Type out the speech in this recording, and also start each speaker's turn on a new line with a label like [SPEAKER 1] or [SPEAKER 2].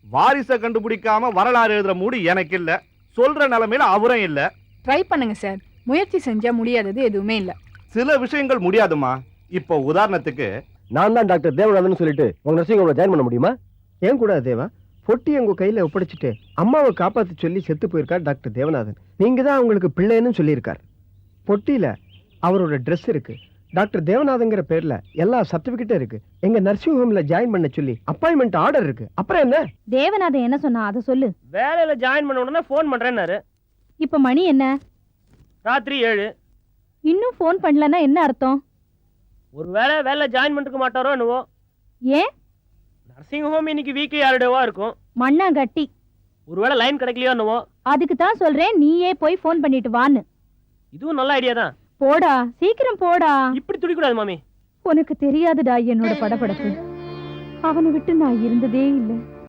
[SPEAKER 1] வாரிசை கண்டுபிடிக்காம வரலாறு எழுதுற மூடு எனக்கு இல்ல, சொல்ற நிலைமையில அவரும் இல்ல.
[SPEAKER 2] ட்ரை பண்ணுங்க சார். முயற்சி செஞ்சா முடியாதது எதுவுமே இல்ல.
[SPEAKER 1] சில விஷயங்கள் முடியாதுமா. இப்போ உதாரணத்துக்கு
[SPEAKER 3] நான் தான் டாக்டர் தேவநாதன் சொல்லிட்டு உங்க நர்சிங் ஹோம்ல ஜாயின் பண்ண முடியுமா?
[SPEAKER 4] ஏன் கூடாது தேவா? பொட்டி உங்க கையில ஒப்படைச்சிட்டு அம்மாவை காப்பாத்தி சொல்லி செத்து போயிருக்கார் டாக்டர் தேவநாதன். நீங்க தான் அவங்களுக்கு பிள்ளைன்னு சொல்லியிருக்கார். பொட்டியில அவரோட ட்ரெஸ் இருக்கு. டாக்டர் தேவநாதங்கிற பேர்ல எல்லா சர்டிபிகேட்டும் இருக்கு. எங்க நர்சிங் ஹோம்ல ஜாயின் பண்ண சொல்லி அப்பாயின்மெண்ட் ஆர்டர் இருக்கு. அப்புறம் என்ன?
[SPEAKER 5] தேவநாதன் என்ன சொன்னா அதை சொல்லு.
[SPEAKER 6] வேலையில ஜாயின் பண்ண உடனே ஃபோன் பண்றேன்னாரு.
[SPEAKER 5] இப்ப மணி என்ன?
[SPEAKER 6] ராத்திரி 7.
[SPEAKER 5] இன்னும் ஃபோன் பண்ணலன்னா என்ன அர்த்தம்?
[SPEAKER 6] ஒருவேளை வேலை ஜாயின் பண்ணிருக்க மாட்டாரோ என்னவோ.
[SPEAKER 5] ஏன்?
[SPEAKER 6] நர்சிங் ஹோம் இன்னைக்கு வீக்லி ஹாலிடேவா இருக்கும்.
[SPEAKER 5] மண்ணாங்கட்டி.
[SPEAKER 6] ஒருவேளை லைன் கிடைக்கலையோ என்னவோ.
[SPEAKER 5] அதுக்கு தான் சொல்றேன் நீயே போய் ஃபோன் பண்ணிட்டு வான்னு.
[SPEAKER 6] இதுவும் நல்ல ஐடியா தான்.
[SPEAKER 5] போடா, சீக்கிரம் போடா.
[SPEAKER 6] இப்படி துடிக்கூடாது மாமி.
[SPEAKER 5] உனக்கு தெரியாதுடா என்னோட படபடப்பு. அவனை விட்டு நான் இருந்ததே இல்லை.